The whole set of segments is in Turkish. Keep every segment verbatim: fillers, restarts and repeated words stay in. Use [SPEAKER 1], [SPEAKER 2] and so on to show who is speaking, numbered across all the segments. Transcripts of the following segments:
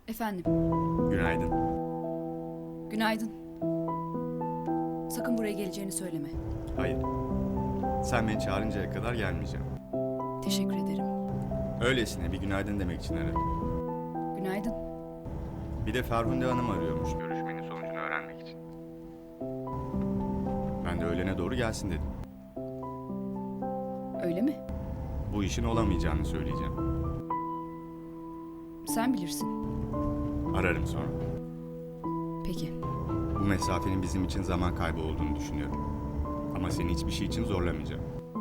[SPEAKER 1] Efendim,
[SPEAKER 2] Günaydın.
[SPEAKER 1] günaydın. Sakın buraya geleceğini söyleme.
[SPEAKER 2] Hayır. Sen beni çağırıncaya kadar gelmeyeceğim.
[SPEAKER 1] Teşekkür ederim.
[SPEAKER 2] Öylesine bir günaydın demek için aradım.
[SPEAKER 1] Günaydın.
[SPEAKER 2] Bir de Ferhunde Hanım arıyormuş görüşmenin sonucunu öğrenmek için. Ben de öğlene doğru gelsin dedim.
[SPEAKER 1] Öyle mi?
[SPEAKER 2] Bu işin olamayacağını söyleyeceğim.
[SPEAKER 1] Sen bilirsin.
[SPEAKER 2] Ararım sonra.
[SPEAKER 1] Peki.
[SPEAKER 2] Bu mesafenin bizim için zaman kaybı olduğunu düşünüyorum. Ama seni hiçbir şey için zorlamayacağım.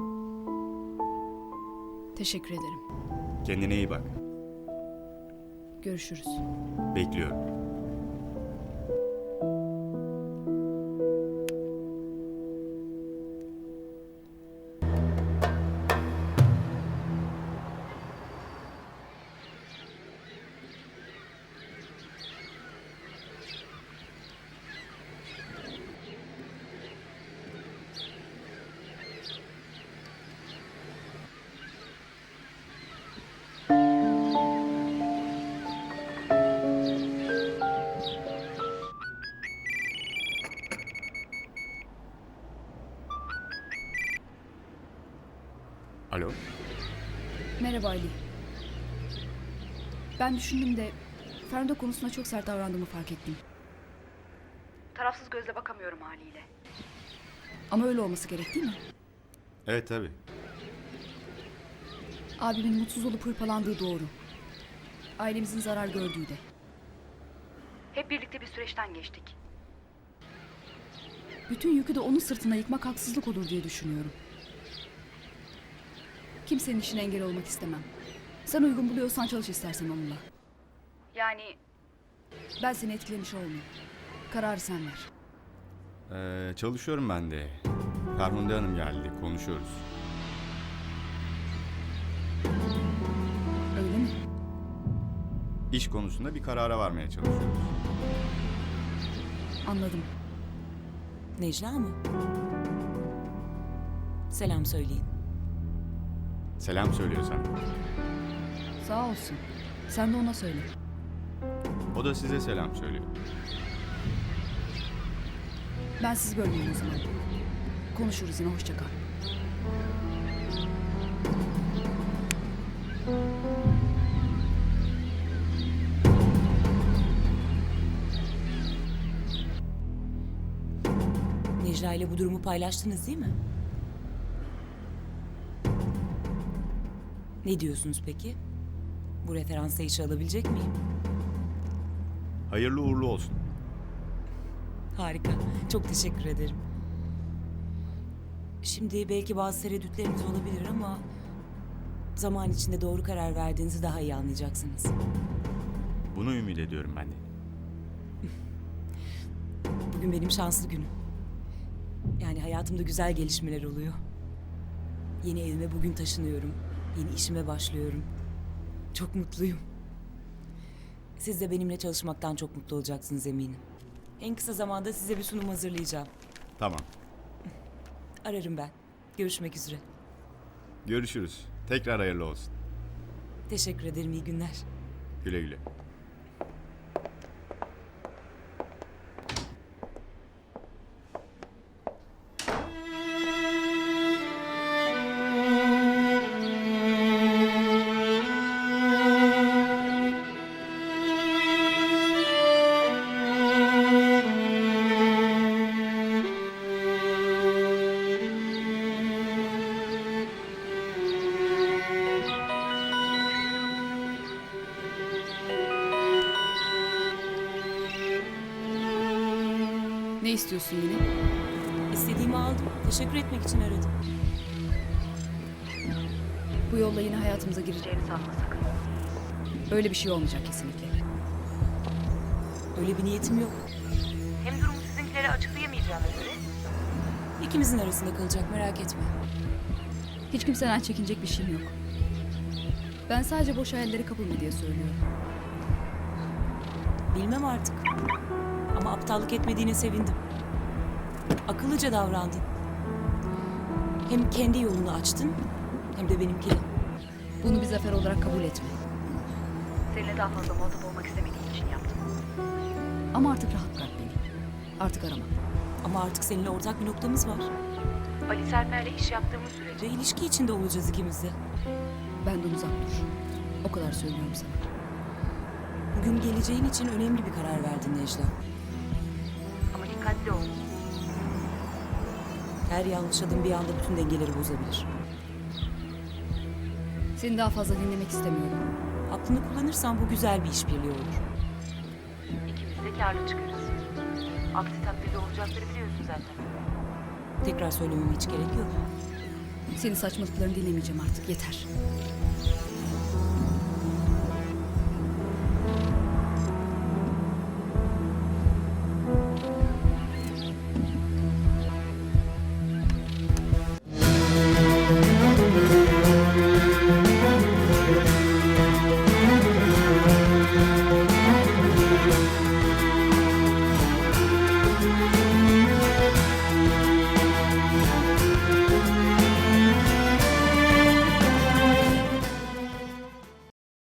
[SPEAKER 1] Teşekkür ederim.
[SPEAKER 2] Kendine iyi bak.
[SPEAKER 1] Görüşürüz.
[SPEAKER 2] Bekliyorum. Alo.
[SPEAKER 1] Merhaba Ali. Ben düşündüm de Ferhunde konusunda çok sert davrandığımı fark ettim. Tarafsız gözle bakamıyorum haliyle. Ama öyle olması gerek değil mi?
[SPEAKER 2] Evet tabii.
[SPEAKER 1] Abimin mutsuz olup hırpalandığı doğru. Ailemizin zarar gördüğü de. Hep birlikte bir süreçten geçtik. Bütün yükü de onun sırtına yıkmak haksızlık olur diye düşünüyorum. Kimsenin işine engel olmak istemem. Sen uygun buluyorsan çalış istersen onunla. Yani ben seni etkilemiş olmayayım. Kararı sen ver.
[SPEAKER 2] Ee, çalışıyorum ben de. Ferhunde Hanım geldi. Konuşuyoruz.
[SPEAKER 1] Öyle mi?
[SPEAKER 2] İş konusunda bir karara varmaya çalışıyoruz.
[SPEAKER 1] Anladım.
[SPEAKER 3] Necla mı? Selam söyleyin.
[SPEAKER 2] Selam söylüyor sana.
[SPEAKER 1] Sağ olsun. Sen de ona söyle.
[SPEAKER 2] O da size selam söylüyor.
[SPEAKER 1] Ben sizi bölmeyeyim o zaman. Konuşuruz yine. Hoşça kal.
[SPEAKER 3] Necla ile bu durumu paylaştınız değil mi? Ne diyorsunuz peki? Bu referansı işe alabilecek miyim?
[SPEAKER 2] Hayırlı uğurlu olsun.
[SPEAKER 3] Harika. Çok teşekkür ederim. Şimdi belki bazı tereddütleriniz olabilir ama zaman içinde doğru karar verdiğinizi daha iyi anlayacaksınız.
[SPEAKER 2] Bunu ümit ediyorum ben de.
[SPEAKER 3] Bugün benim şanslı günüm. Yani hayatımda güzel gelişmeler oluyor. Yeni evime bugün taşınıyorum. Yeni işime başlıyorum. Çok mutluyum. Siz de benimle çalışmaktan çok mutlu olacaksınız eminim. En kısa zamanda size bir sunum hazırlayacağım.
[SPEAKER 2] Tamam.
[SPEAKER 3] Ararım ben. Görüşmek üzere.
[SPEAKER 2] Görüşürüz. Tekrar hayırlı olsun.
[SPEAKER 3] Teşekkür ederim. İyi günler.
[SPEAKER 2] Güle güle.
[SPEAKER 1] Ne istiyorsun yine?
[SPEAKER 3] İstediğimi aldım. Teşekkür etmek için aradım.
[SPEAKER 1] Bu yolla yine hayatımıza gireceğini sanma sakın. Öyle bir şey olmayacak kesinlikle.
[SPEAKER 3] Öyle bir niyetim yok. Hem durumu sizinkilere açıklayamayacağıma göre İkimizin arasında kalacak, merak etme.
[SPEAKER 1] Hiç kimseden çekinecek bir şeyim yok. Ben sadece boş hayallere kapılma diye söylüyorum.
[SPEAKER 3] Bilmem artık. Ama aptallık etmediğine sevindim. Akıllıca davrandın. Hem kendi yolunu açtın hem de benimkini.
[SPEAKER 1] Bunu bir zafer olarak kabul etme. Seninle daha fazla muhatap olmak istemediğim için yaptım. Ama artık rahat bırak beni. Artık arama.
[SPEAKER 3] Ama artık seninle ortak bir noktamız var.
[SPEAKER 1] Ali Serper'le iş yaptığımız sürece
[SPEAKER 3] Ve ilişki içinde olacağız ikimiz de.
[SPEAKER 1] benden uzak dur. O kadar söylüyorum sana.
[SPEAKER 3] Bugün geleceğin için önemli bir karar verdin Necla.
[SPEAKER 1] Ama dikkatli ol.
[SPEAKER 3] Her yanlış adım bir anda bütün dengeleri bozabilir.
[SPEAKER 1] Seni daha fazla dinlemek istemiyorum.
[SPEAKER 3] Aklını kullanırsan bu güzel bir işbirliği olur.
[SPEAKER 4] İkimiz de kârlı çıkarız. Aksi takdirde olacakları biliyorsun zaten.
[SPEAKER 3] Tekrar söylememe hiç gerek yok.
[SPEAKER 1] Senin saçmalıklarını dinlemeyeceğim artık. Yeter.